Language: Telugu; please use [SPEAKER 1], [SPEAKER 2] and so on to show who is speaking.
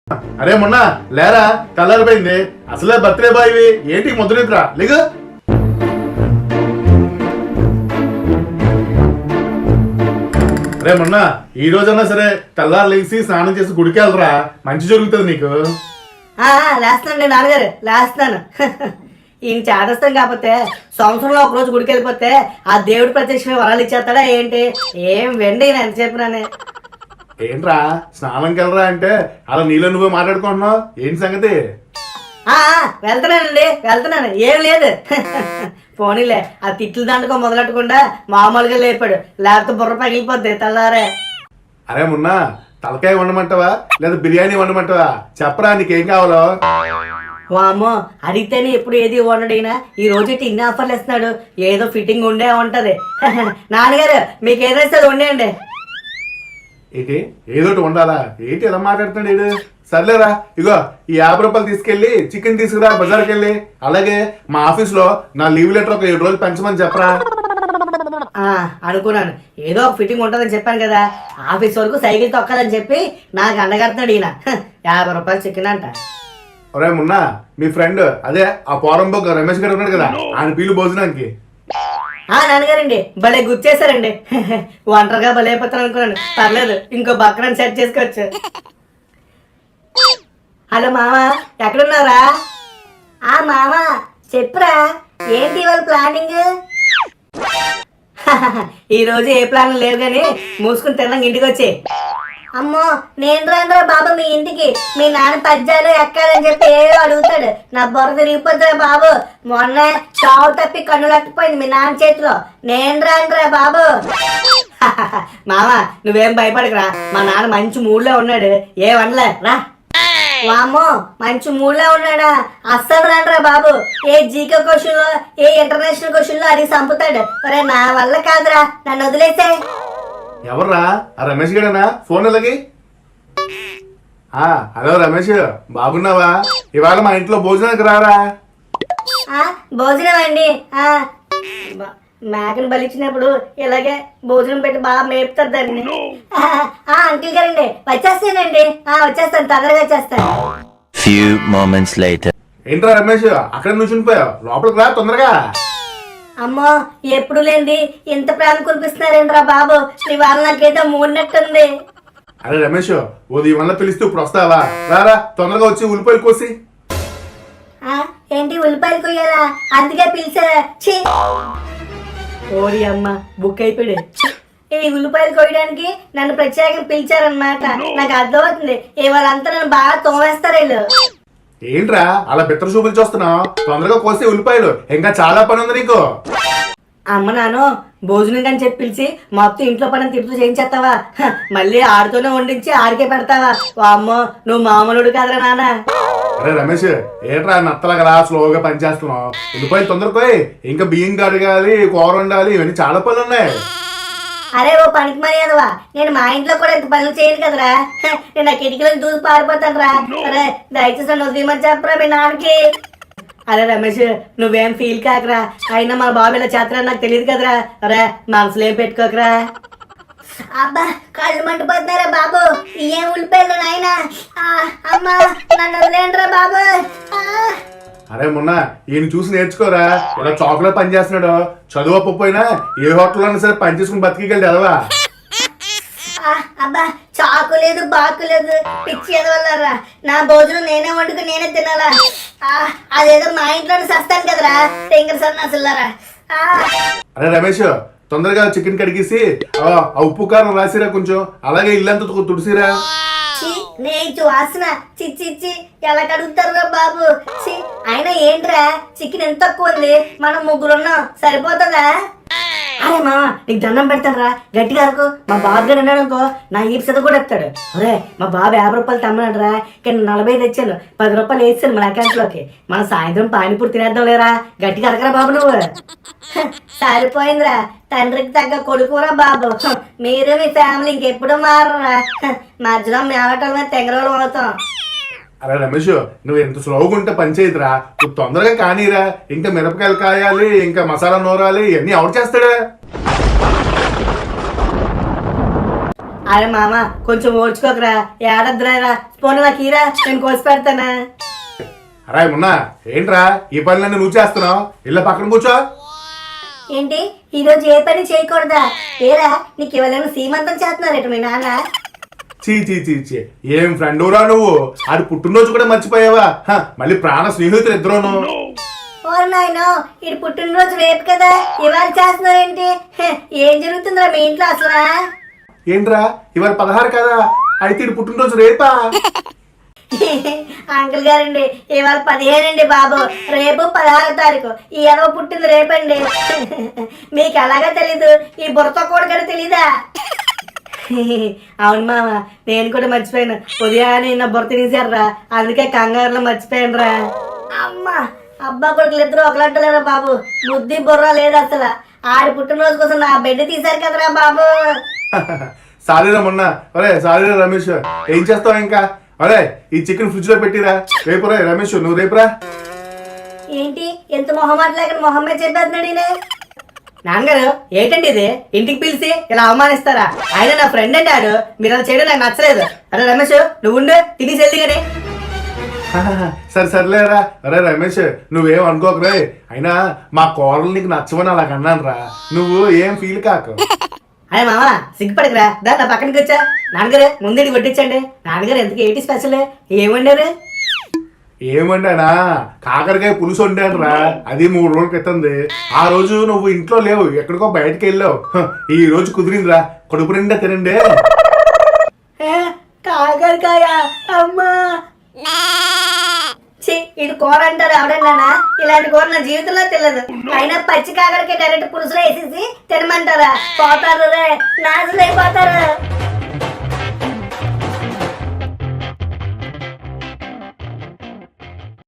[SPEAKER 1] అరే మొన్న లేరా తెల్లారిపోయింది. అసలే బర్త్డే బాయ్వి ఏంటి ముద్రనిద్రా లేగు. అరే మొన్న ఈ రోజన్నా సరే తెల్లారు లేచి స్నానం చేసి గుడికి వెళ్ళరా, మంచి జరుగుతుంది నీకు.
[SPEAKER 2] లేస్తానండి నాన్నగారు, లేస్తున్నాను. ఈయన చేదస్తాం కాకపోతే సంవత్సరంలో ఒకరోజు గుడికి వెళ్ళిపోతే ఆ దేవుడి ప్రత్యక్షమే వరాలు ఇచ్చేస్తాడా ఏంటి? ఏం వెండి నేను ఎంత చెప్పినానే.
[SPEAKER 1] ఏంట్రా స్నానంకి వెళ్ళరా అంటే అలా నీలో నువ్వే మాట్లాడుకుంటున్నావు, ఏంటి సంగతి?
[SPEAKER 2] వెళ్తున్నానండి, వెళ్తున్నాను, ఏం లేదు. పోనీలే, ఆ తిట్లు దాంట్లో మొదలెట్టకుండా మామూలుగా లేపాడు, లేకపోతే బుర్ర పగిలిపోద్ది తెల్లారే.
[SPEAKER 1] అరే మొన్న తలకాయ వండమంటావా లేదా బిర్యానీ వండమంటావా? చెప్పరా నీకేం కావాలో.
[SPEAKER 2] వామ్మో, అడిగితేనే ఎప్పుడు ఏది వండడినా ఈ రోజు ఇన్ని ఆఫర్లు ఇస్తున్నాడు, ఏదో ఫిట్టింగ్ ఉండే ఉంటది. నాన్నగారు మీకు ఏదైతే అది వండేయండి.
[SPEAKER 1] ఏంటి ఏదోటి వండాలా? ఏంటి ఎలా మాట్లాడుతున్నాడు ఏడు? సర్లేరా, ఇగో ఈ 50 రూపాయలు తీసుకెళ్లి చికెన్ తీసుకురా బజార్కి వెళ్ళి. అలాగే మా ఆఫీస్ లో నా లీవ్ లెటర్ ఒక 7 రోజులు పెంచమని చెప్పరా.
[SPEAKER 2] అనుకున్నాను ఏదో ఒక ఫిట్టింగ్ ఉంటుందని చెప్పాను కదా, ఆఫీస్ వరకు సైకిల్ తొక్కాలని చెప్పి నాకు అండగడుతున్నాడు ఈయన. 50 రూపాయలు చికెన్ అంట.
[SPEAKER 1] ఒరే మున్నా, మీ ఫ్రెండ్ అదే ఆ పోరంబోక్ రమేష్ గారు ఉన్నాడు కదా, ఆయన పీలు భోజనానికి.
[SPEAKER 2] నాన్నగారండి భలే గుర్చేశారండి. ఒంటరిగా భలే అయిపోతాను అనుకున్నాను, పర్లేదు ఇంకో బక్రాన్ని సెట్ చేసుకోవచ్చు. హలో మామ, ఎక్కడున్నారా? మామ చెప్పురా, ఏంటి ఇవాళ ప్లానింగ్? ఈ రోజు ఏ ప్లాన్ లేదు కానీ మూసుకుని తిన్నాక ఇంటికి వచ్చి. అమ్మో, నేను రానురా బాబు మీ ఇంటికి. మీ నాన్న పద్యాలు ఎక్కాలని చెప్పి ఏదో అడుగుతాడు, నా బుర్ర తిరిగిపోతుందిరా బాబు. మొన్న చావు తప్పి కన్ను లెక్కిపోయింది మీ నాన్న చేతిలో. నేను రానురా బాబు. మామ నువ్వేం భయపడకురా, మా నాన్న మంచి మూడ్లో ఉన్నాడు, ఏమనలే రా. వామ్మో, మంచి మూడ్లో ఉన్నాడా? అస్సలు రానురా బాబు. ఏ జీకే క్వశ్చన్ లో ఏ ఇంటర్నేషనల్ క్వశ్చన్ లో అది చంపుతాడు. ఒరే నా వల్ల కాదురా, నన్ను వదిలేసే.
[SPEAKER 1] ఎవర్రా? ఆ రమేష్ గడనా? ఫోన్ ఎలాగి. హలో రమేష్, బాగున్నావా? ఇవాళ మా ఇంట్లో భోజనానికి రారా.
[SPEAKER 2] భోజనం అండి, మేకను బలిచ్చినప్పుడు ఇలాగే భోజనం పెట్టి బాగా మేపుతారు దాన్ని. అంకిల్ గారండి వచ్చేస్తానండి, వచ్చేస్తాను, తొందరగా వచ్చేస్తాను.
[SPEAKER 1] ఏంట్రా రమేష్ అక్కడ నుంచునిపోయావు, లోపలికి రా తొందరగా.
[SPEAKER 2] అమ్మో, ఎప్పుడు లేండి ఇంత ప్రేమ కురిపిస్తున్నారేంట్రా బాబు, ఇవాళ నాకేదో మూడినట్టుంది.
[SPEAKER 1] అరే రమేష్, ఉదయం వల్ల పిలిస్తే ఇప్పుడు వస్తావా? రారా తొందరగా వచ్చి ఉల్లిపాయలు కోసి.
[SPEAKER 2] ఏంటి ఉల్లిపాయలు కొయ్యాలా? అందుకే పిలిచారా? ఓరి అమ్మ, బుక్ అయిపోయాడు. ఈ ఉల్లిపాయలు కొయ్యడానికి నన్ను ప్రత్యేకంగా పిలిచారనమాట. నాకు అర్థమవుతుంది, ఇవాళంతా నన్ను బాగా తోమేస్తారు వీళ్ళు.
[SPEAKER 1] ఏంట్రా అలా బిత్తర చూపులు చూస్తున్నావు? తొందరగా కోసి ఉల్లిపాయలు, ఇంకా చాలా పని ఉంది నీకు.
[SPEAKER 2] అమ్మ నాను భోజనం కానీ చెప్పి పిలిచి మొత్తం ఇంట్లో పని తిప్పుతూ చేయించేస్తావా? మళ్ళీ ఆడితోనే వండించి ఆడికే పెడతావా? అమ్మో, నువ్వు మామూలుడు కాదురా నాన్న.
[SPEAKER 1] అరే రమేష్, ఏంట్రా నత్తలగా స్లోగా పని చేస్తున్నావు? ఉల్లిపాయలు తొందరగా, ఇంకా బియ్యం కడగాలి, కూర వండాలి, ఇవన్నీ చాలా పనులు ఉన్నాయి.
[SPEAKER 2] అరే ఓ పనికి మర్యాదవా, నేను మా ఇంట్లో కూడా ఇంత పనులు చేయను కదరా. నేను ఆ కిటికీలను దూసి పారిపోతాను రా. అరే దయచేసి నన్ను వదిలేమని చెప్పరా మీ నాన్నకి. అరే రమేష్, నువ్వేం ఫీల్ కాకరా, అయినా మా బాబు ఇలా చేస్తారని నాకు తెలియదు కదరా. అరే మనసులో ఏం పెట్టుకోకరా. అబ్బా కళ్ళు మండిపోతున్నారా బాబు, ఏం ఉల్లిపోయారు నాయన. అమ్మా నన్ను వదిలేండిరా బాబు.
[SPEAKER 1] అరే మొన్న ఈయన చూసి నేర్చుకోరా, ఇలా చాకులో పని చేస్తున్నాడు. చదువు అప్పపోయినా ఏ హోటల్లో సరే పని చేసుకుని బతికిగలడు ఎదవా.
[SPEAKER 2] అబ్బా చాకు లేదు బాకు లేదు, పిచ్చి ఎదవల్లారా. నా భోజనం నేనే వండుకుని నేనే తినాలా? అదేదో మా ఇంట్లోనే సస్తాను కదరా తెంగర సన్నాసులారా.
[SPEAKER 1] అరే రమేష్, తొందరగా చికెన్ కడిగేసి ఆ ఉప్పు కారం రాసిరా కొంచెం, అలాగే ఇల్లంతా తుడిసిరా.
[SPEAKER 2] నేను వాసన చిచ్చి ఎలా కడుగుతారా బాబు. అయినా ఏంట్రా చికెన్ ఎంత తక్కువ ఉంది, మనం ముగ్గురున్నాం, సరిపోతుందా? అరే మామ నీకు దండం పెడతారా, గట్టిగా అనుకో. మా బాబు గారు అన్నాడు అనుకో, నా ఈప్సత కూడా ఎత్తాడు. అరే మా బాబు 50 రూపాయలు తమ్మన్నాడు, కానీ 40 తెచ్చాను, 10 రూపాయలు వేసాను మన అకౌంట్ లోకి. మనం సాయంత్రం పానీపూరి తినేద్దాం లేరా, గట్టిగా అరకరా బాబు నువ్వు. సరిపోయిందిరా, తండ్రికి తగ్గ కొడుకురా బాబు. మీరు మీ ఫ్యామిలీ ఇంకెప్పుడు మారరా, మధ్యలో మేవటం మీద తెంగరోలు అవుతాం.
[SPEAKER 1] అరే రమేష్, నువ్వు ఎంత స్లోగా ఉంటే పని చేయదురా, నువ్వు తొందరగా కానీరా. ఇంకా మిరపకాయలు కాయాలి, ఇంకా మసాలా నూరాలి, ఇవన్నీ ఎవరు చేస్తాడా?
[SPEAKER 2] అరే మామ కొంచెం ఓడ్చుకోకరా, ఏడద్దురా, పోనీ నాకు ఈరా, నేను కోసి పెడతానా.
[SPEAKER 1] అరే మొన్న ఏంట్రా ఈ పనులన్నీ నువ్వు చేస్తున్నావు? ఇళ్ళ పక్కన కూర్చో.
[SPEAKER 2] ఏంటి ఈరోజు ఏ పని చేయకూడదా? ఏరా నీకు ఎవరైనా సీమంతం చేస్తున్నారేట మీ నాన్న?
[SPEAKER 1] చీ చీ చీ చీ, ఏం ఫ్రెండురా నువ్వు? అది పుట్టినరోజు కూడా మర్చిపోయావా? మళ్ళీ ప్రాణ స్నేహితులు ఇద్దరును.
[SPEAKER 2] ఓరు నాయనో, ఇది పుట్టినరోజు రేపు కదా, ఇవాళ చేస్తున్నారేంటి? ఏం జరుగుతుందిరా మీ ఇంట్లో అసలు?
[SPEAKER 1] ఏంట్రా ఇవాళ 16 కదా, అయితే ఇది పుట్టినరోజు రేపా?
[SPEAKER 2] అంకుల్ గారండి ఇవాళ 15 అండి బాబు, రేపు 16వ తారీఖు. ఈ ఎడవ పుట్టింది రేపండి. మీకు ఎలాగా తెలీదు? ఈ బుర్రతో కూడా తెలీదా? అవును మామ, నేను కూడా మర్చిపోయాను. ఉదయాన్నే నా బుర్ర తినేసారా, అందుకే కంగారులో మర్చిపోయాను రా. అమ్మా, అబ్బా కొడుకులు ఇద్దరు ఒకలంటలేరా బాబు, బుద్ధి బుర్ర లేదు అసలు. ఆడి పుట్టినరోజు కోసం నా బెడ్ తీశారు కదరా బాబు.
[SPEAKER 1] సారీరా మొన్న. అరే సారీరా రమేష్, ఏం చేస్తావు ఇంకా? అరే ఈ చికెన్ ఫ్రిడ్జ్ లో పెట్టిరా, రేపు రా రమేష్, నువ్వు రేపురా.
[SPEAKER 2] ఏంటి ఎంత మొహమాట లేక మొహమ్మే చెప్పేస్తున్నాడు. నాన్నగారు ఏంటండి ఇది, ఇంటికి పిలిచి ఇలా అవమానిస్తారా? ఆయన నా ఫ్రెండ్ అండి, ఆడు. మీరు అలా చేయడం నాకు నచ్చలేదు. అరే రమేష్ నువ్వు ఉండు, తినేసి వెళ్ది కానీ.
[SPEAKER 1] సరే సర్లేరా. అరే రమేష్ నువ్వేం అనుకోకరే, అయినా మా కోడలు నీకు నచ్చవని అలా అన్నాను రా, నువ్వు ఏం ఫీల్ కాకు.
[SPEAKER 2] అరే మామ సిగ్గుపడకురా, దా నా పక్కనకి వచ్చా. నాన్నగారు ముందు కొట్టించండి. నాన్నగారు ఎందుకు ఏంటి స్పెషల్, ఏమండారు?
[SPEAKER 1] ఏమండానా, కాకరకాయ పులుసు వండాను రా, అది 3 రోజుల క్రితంది. ఆ రోజు నువ్వు ఇంట్లో లేవు, ఎక్కడికో బయటకు వెళ్ళావు. ఈ రోజు కుదిరిందిరా, కడుపు నిండా తినండి. కాకరకాయ అమ్మా, ఇది కూర అంటారు ఎవడన్నా? ఇలాంటి కూర నా జీవితంలో తెలియదు. అయినా పచ్చి కాకరకాయ డైరెక్ట్ పులుసులో వేసేసి తినమంటారా? పోతారు రే, నాశనం అయిపోతారు.